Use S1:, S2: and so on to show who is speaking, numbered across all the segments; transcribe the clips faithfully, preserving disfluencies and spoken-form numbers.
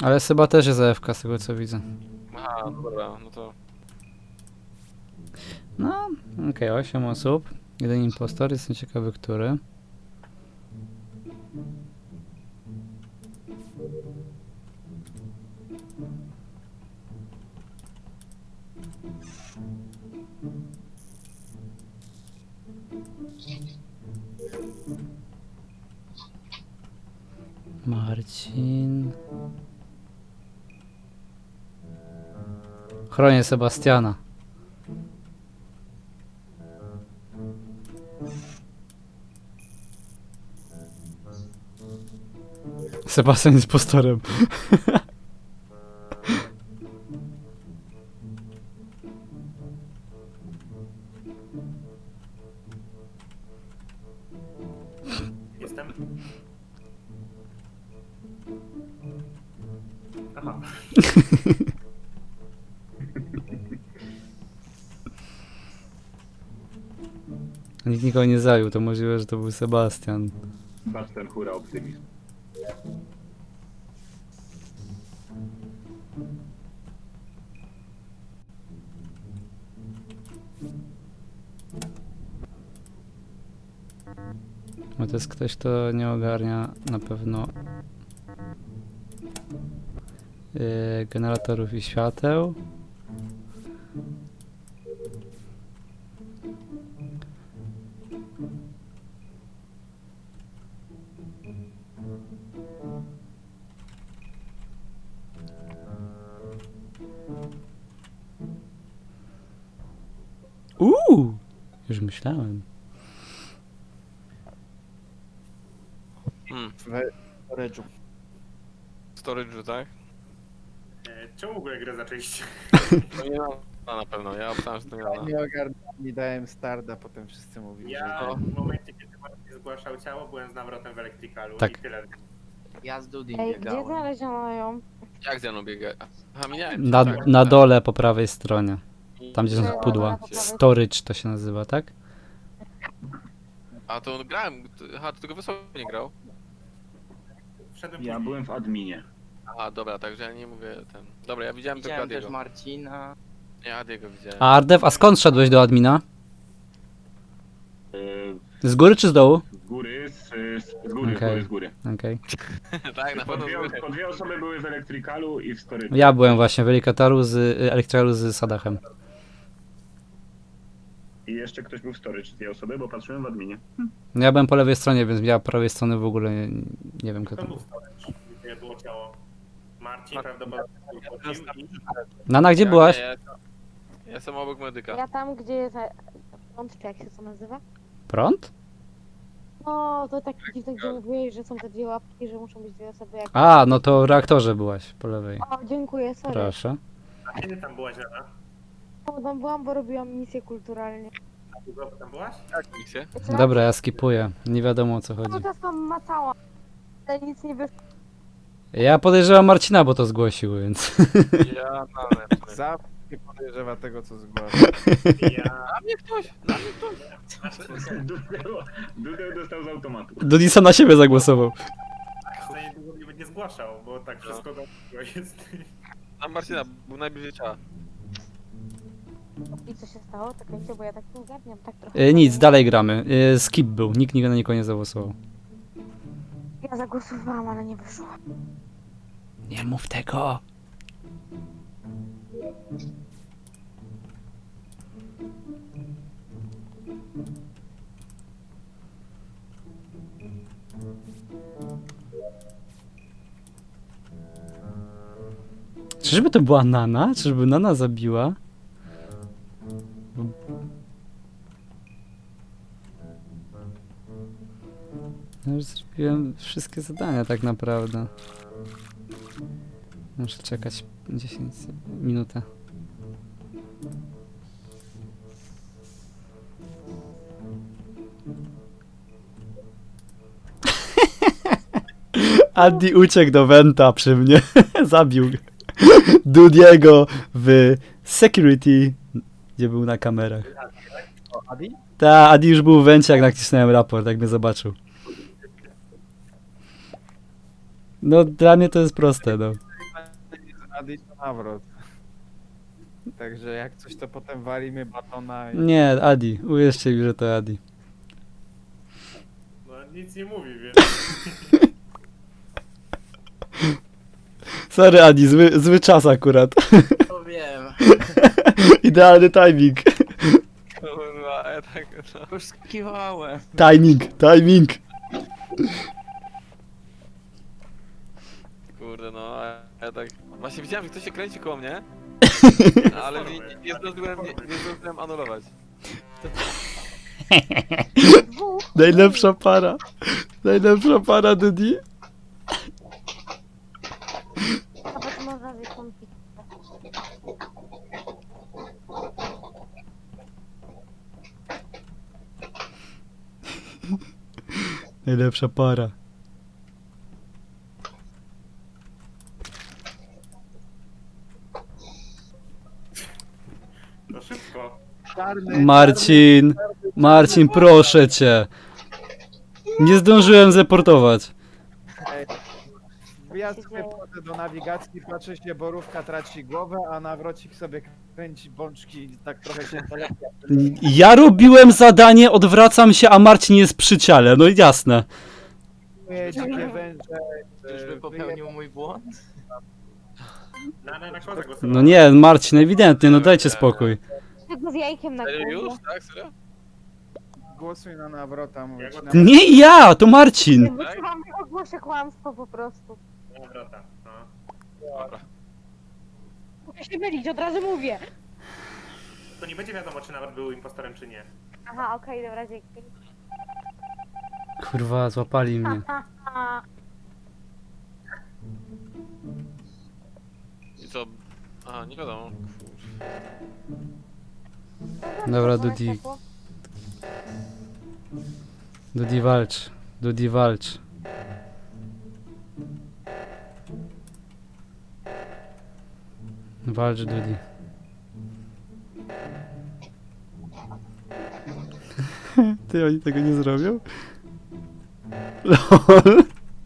S1: Ale chyba też jest A F K z tego co widzę.
S2: Aha, no dobra, no to...
S1: No, okej, okay, osiem osób. Jeden impostor, jestem ciekawy, który. Marcin. Chronię Sebastiana. Sebastian jest postorem.
S3: Jestem. Aha.
S1: Nikt nikogo nie zajął, to możliwe, że to był Sebastian.
S4: Patrz ten hura optymizm.
S1: Bo to jest ktoś, kto nie ogarnia na pewno yy, generatorów i świateł. Uuu, już myślałem.
S2: Hmm,
S5: W storage'u.
S2: storage'u, tak?
S3: E, czemu w ogóle grę zaczęliście?
S2: To nie na, na pewno, ja obstałem, że to nie
S5: Ja
S2: na.
S5: nie ogarnąłem, nie dałem starda, potem wszyscy mówili,
S3: Ja
S5: że...
S2: No.
S3: w momencie, kiedy Marcin zgłaszał ciało, byłem z nawrotem w elektrykalu
S1: Tak.
S3: i tyle.
S5: Ja z Dudim
S6: Ej, gdzie
S5: biegałem.
S6: znaleziono ją?
S2: Jak ze mną biega? Aha, minąłem cię,
S1: Na,
S2: tak.
S1: na dole po prawej stronie. Tam gdzie są
S6: Dobra,
S1: pudła.
S6: po prawej.
S1: Storage to się nazywa, tak?
S2: A to grałem, aha, to tylko Wysoko nie grał.
S3: Wszedłem
S4: Ja
S3: później.
S4: byłem w adminie.
S2: Aha, dobra, także ja nie mówię ten... Dobra, ja widziałem tylko
S7: Widziałem też
S2: Adiego.
S7: Marcina.
S2: Ja Adiego widziałem.
S1: A Ardew, a skąd szedłeś do admina?
S4: Yy,
S1: Z góry czy z dołu?
S4: z góry, z, z, z góry,
S1: Okej.
S4: z góry, z góry.
S1: Okej.
S2: Tak, na
S4: Po
S2: pewno
S4: dwie,
S2: były.
S4: po dwie osoby były w elektrykalu i w storage'u.
S1: Ja byłem właśnie w Elikataru z y, Elektralu z Sadachem.
S4: I jeszcze ktoś był w storage, dwie osoby, bo patrzyłem w adminie.
S1: No ja byłem po lewej stronie, więc ja po prawej strony w ogóle nie, nie wiem kto
S3: To
S1: tam.
S3: był storage, gdzie było ciało. Marcin
S2: Mar-
S3: prawdopodobnie wchodził i...
S1: Nana, gdzie
S2: Ja-
S1: byłaś?
S2: Ja, ja, ja jestem obok medyka.
S6: Ja tam, gdzie jest... Prąd, czy jak się to nazywa?
S1: Prąd?
S6: No, to tak dziwne, gdzie mówiłeś, że są te dwie łapki, że muszą być dwie osoby jak...
S1: A, no to w reaktorze byłaś po lewej.
S6: O, dziękuję, sorry.
S1: Proszę.
S3: A kiedy tam byłaś, Lena?
S6: No, tam byłam, bo robiłam misję kulturalnie.
S3: A długo tam byłaś?
S2: Jak misję?
S1: Dobra, ja skipuję. Nie wiadomo o co chodzi.
S6: Cały czas tam macałam, ale nic nie wyszło.
S1: Ja podejrzewam Marcina, bo to zgłosił, więc...
S2: Ja na
S5: Zawsze się podejrzewa tego, co zgłasza.
S3: Ja...
S2: Na mnie ktoś! Na mnie ktoś!
S4: Dudeł, Dudeł dostał z automatu.
S1: Dudisa na siebie zagłosował.
S3: za niedługo mnie będzie zgłaszał, bo tak wszystko dobrze jest.
S2: Na Marcina, był najbliżej ciała.
S6: I co się stało? Czekajcie, bo ja tak nie ogarniam, tak trochę...
S1: E, nic, dalej gramy. E, skip był, nikt nigdy na nikogo nie zagłosował.
S6: Ja zagłosowałam, ale nie wyszło.
S1: Nie mów tego. Czyżby to była Nana? Czyżby Nana zabiła? Ja już zrobiłem wszystkie zadania tak naprawdę. Muszę czekać dziesięć minut. Adi uciekł do Venta przy mnie. Zabił Dudiego w security, gdzie był na kamerach.
S5: O, Adi?
S1: Ta, Adi już był w Vencie, jak nacisnąłem raport, jak mnie zobaczył. No, dla mnie to jest proste, no.
S5: Adi to nawrot. Także jak coś, to potem walimy batona i...
S1: Nie, Adi. Uwierzcie mi, że to Adi.
S3: No nic nie mówi, więc...
S1: Sorry, Adi, zły, zły czas akurat.
S7: To wiem.
S1: Idealny timing.
S2: Kurwa, ja tak... No.
S7: Już skiwałem.
S1: Timing, timing.
S2: Kurde, no, a ja tak... Właśnie widziałem, że ktoś się kręci koło mnie, ale nie, nie, nie, zdążyłem, nie, nie zdążyłem anulować.
S6: Dwóch.
S1: Najlepsza para. Najlepsza para, Dudi.
S6: Nawet można wystąpić.
S1: Najlepsza para.
S3: To szybko.
S5: Czarny,
S1: Marcin, Marcin, proszę cię. Nie zdążyłem zeportować.
S5: Ej, ja sobie wchodzę do nawigacji, patrzę się, borówka traci głowę, a nawrocik sobie kręci bączki i tak trochę się telepia.
S1: Ja robiłem zadanie, odwracam się, a Marcin jest przy ciele. No i jasne.
S5: Dzikie węże.
S7: Czyżby
S5: e,
S7: popełnił mój błąd?
S3: Na, na, na kozę głosowałem.
S1: No nie, Marcin, ewidentnie, no dajcie spokój.
S6: Tego z jajkiem na
S2: Serio już?
S6: głowie.
S2: Tak, serio?
S5: Głosuj na nawrota, mówię ci.
S3: Jak-
S5: Na...
S1: Nie ja, to Marcin.
S6: Wyczułam, że ogłoszę kłamstwo po prostu.
S3: Dobra, tak. No.
S2: Dobra.
S6: Muszę się mylić, od razu mówię.
S3: To nie będzie wiadomo, czy nawet był impostorem, czy nie.
S6: Aha, okej, dobra, dzięki.
S1: Kurwa, złapali mnie.
S6: Aha.
S2: I co? Aha, nie wiadomo.
S1: Dobra, Dudi. Dudi walcz. Dudi walcz. Walcz, Dudi. Ty, oni tego nie zrobią? LOL.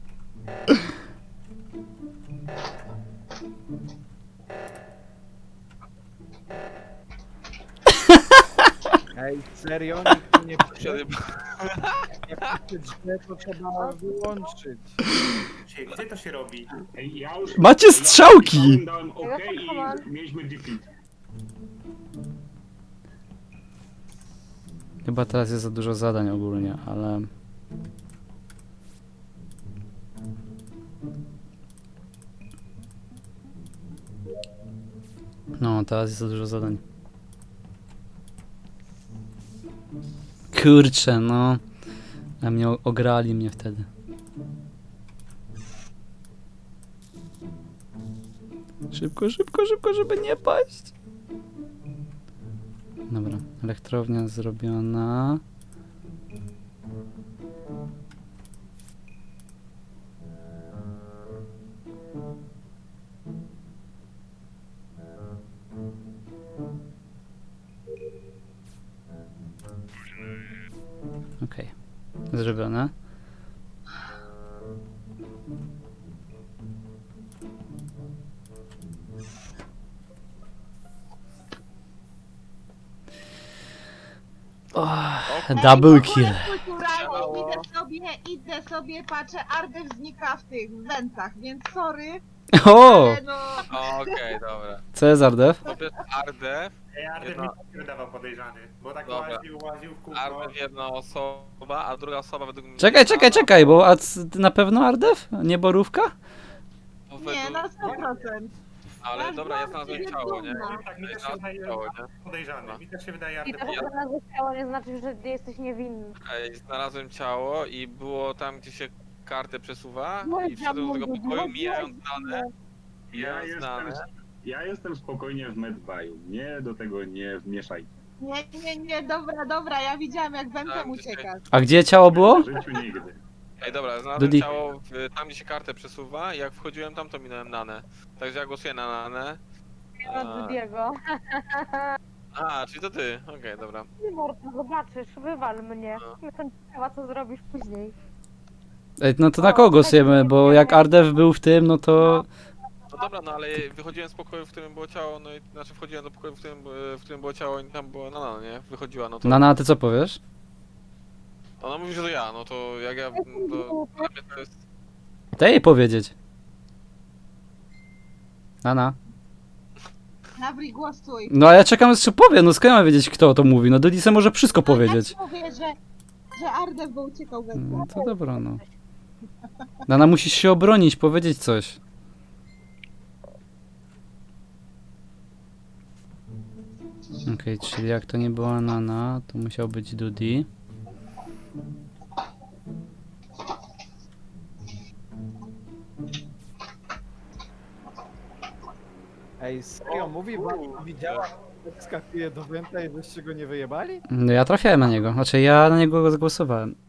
S5: Ej, serio? Nikt tu nie pisze,
S2: Siadaj-
S5: jak pisze źle, to trzeba wyłączyć.
S3: Gdzie, gdzie to się robi?
S4: Ej, ja już...
S1: Macie strzałki!
S4: Ja dałem OK i mieliśmy defeat.
S1: Chyba teraz jest za dużo zadań ogólnie, ale... No, teraz jest za dużo zadań. Kurczę, no. A mnie o- ograli mnie wtedy. Szybko, szybko, szybko, żeby nie paść. Dobra, elektrownia zrobiona. Okej, zrobione. Oh, double kill.
S8: Kulturalnie idę sobie, idę sobie, patrzę, Ardew znika w tych wentach, więc sorry,
S1: O!
S8: ale no...
S2: Okej, dobra.
S1: Cezar Dev?
S2: Po pierwsze Ardew,
S3: Ej, Artem
S2: Jedno-
S3: mi się wydawał podejrzany, bo tak
S2: Dobra.
S3: łaził, łaził w kółko.
S2: Ardew jedna osoba, a druga osoba według mnie...
S1: Czekaj, czekaj, czekaj, bo a c- na pewno Ardew? Nie borówka?
S2: Bo
S8: Nie,
S2: według-
S8: na sto procent.
S2: Ale dobra, ja znalazłem ciało, nie?
S3: Tak, mi
S2: Ja
S3: też się
S2: znalazłem
S3: wydaje
S2: ciało, nie?
S3: podejrzany. Mi też się wydaje
S6: I
S3: Artem
S6: to, że
S3: podejrzany.
S6: znalazłeś ciało, nie znaczy, że ty jesteś niewinny.
S2: Ej, znalazłem ciało i było tam, gdzie się kartę przesuwa
S6: No
S2: i wszedłem do tego pokoju, mijając dane.
S4: Ja
S2: Mijając
S4: jestem,
S2: dane.
S4: ja jestem spokojnie w medbayu. Nie do tego nie wmieszajcie.
S8: Nie, nie, nie, dobra, dobra, ja widziałem jak wentem
S2: Tam, gdzie się-
S8: uciekasz.
S1: A gdzie ciało było?
S4: W życiu nigdy.
S2: Ej, dobra, znalazłem
S1: Dudi.
S2: ciało w, tam, gdzie się kartę przesuwa i jak wchodziłem tam, to minąłem Nanę. Także ja głosuję na Nanę.
S6: Nie ma Dudiego.
S2: A, czyli to ty. Okej, dobra.
S6: Ty mordo, zobaczysz, wywal mnie.
S2: No.
S6: Jestem ciekawa, co zrobisz później.
S1: Ej, no to na kogo głosujemy, bo jak Ardew był w tym, no to...
S2: No dobra, no ale wychodziłem z pokoju, w którym było ciało, no i znaczy wchodziłem do pokoju, w którym, e, w którym było ciało i tam było Nana, nie? Wychodziła, no to...
S1: Nana, a ty co powiesz?
S2: Ona mówi, że to ja, no to jak ja... To, dla mnie to jest...
S1: Daj jej powiedzieć. Nana.
S8: Nawri, głosuj.
S1: No a ja czekam, jeszcze powie, no skąd ja mam wiedzieć, kto to mówi? No Dudisa może wszystko
S8: No,
S1: powiedzieć.
S8: Ja ci mówię, że, że Ardew bo uciekał we mnie.
S1: No to dobra, no. Nana, musisz się obronić, powiedzieć coś. Okej, czyli jak to nie była Nana, to musiał być Dudi.
S5: Ej, serio, mówi wam, widziała, jak skakuje do Wenta i byście go nie wyjebali?
S1: No ja trafiałem na niego, znaczy ja na niego zagłosowałem.